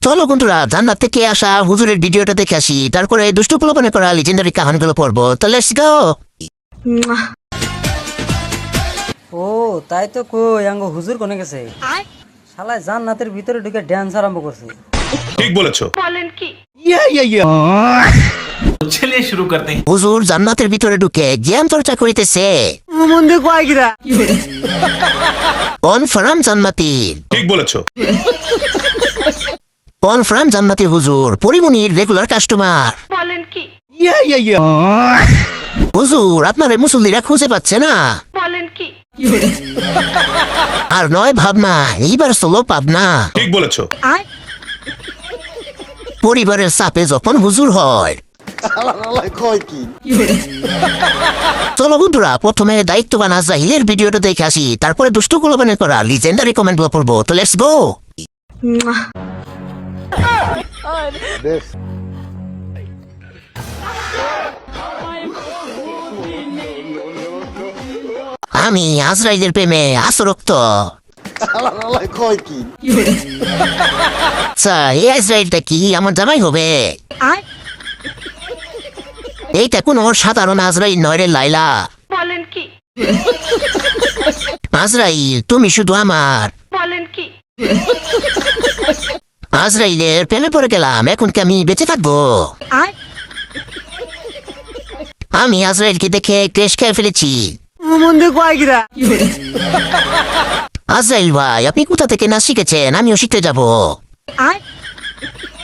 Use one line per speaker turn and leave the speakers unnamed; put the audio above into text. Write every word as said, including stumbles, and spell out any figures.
চলো বন্ধুরা জান্নাত থেকে আসা হুজুরের ভিডিওটা দেখে আসি, তারপরে দুষ্টু প্রলোভনে করা লিজেন্ডারি কাহানিগুলো পড়বো। তো লেটস গো।
ও তাই তো কই আঙ্গ হুজুর কোনে গেছে? শালায় জান্নাতের ভিতরে ঢুকে ড্যান্স আরম্ভ করছে।
ঠিক বলেছো।
বলেন কি?
ইয়া ইয়া ইয়া
चलिए शुरू करते हैं।
হুজুর জান্নাতের ভিতরে ঢুকে জ্ঞান চর্চা করিতেছে।
মন্দে কয় গিরা
কনফার্ম জান্নাতি।
ঠিক বলেছো।
কনফার্ম জান্নাতি হুজুর পরিমনির রেগুলার কাস্টমার।
বলেন কি?
ইয়া ইয়া ইয়া হুজুর আপনার এই মুসল্লিরা খুঁজে পাচ্ছে না।
বলেন কি?
আর নয় ভাবনা, এইবার চলো পাবনা।
ঠিক বলেছো।
পরিবারের চাপে যখন হুজুর হয়। চলো বন্ধুরা প্রথমে দায়িত্ববান আজরাইলের ভিডিওটা দেখে আসি, তারপরে দুষ্টু প্রলোভনে করা লিজেন্ডারি কমেন্ট পড়বো। তো লেটস গো। আমি আজরাইলের প্রেমে আসরক্ত। আচ্ছা এই আজরাইলটা কি আমার জামাই হবে? এইটা কোনো সাধারণ আজরাইল নয় রে লাইলা।
বলেন কি?
আজরাইল তুমি শুধু আমার।
বলেন কি?
আজরাইলের প্রেমে পড়ে গেলাম, এখন কি আমি বেঁচে থাকবো? আমি আজরাইলকে দেখে ক্রেশ খেয়ে ফেলেছি।
মন্দে কয় গিরা
আজরাইল ভাই আপনি কোথা থেকে না শিখেছেন, আমিও শিখতে যাবো।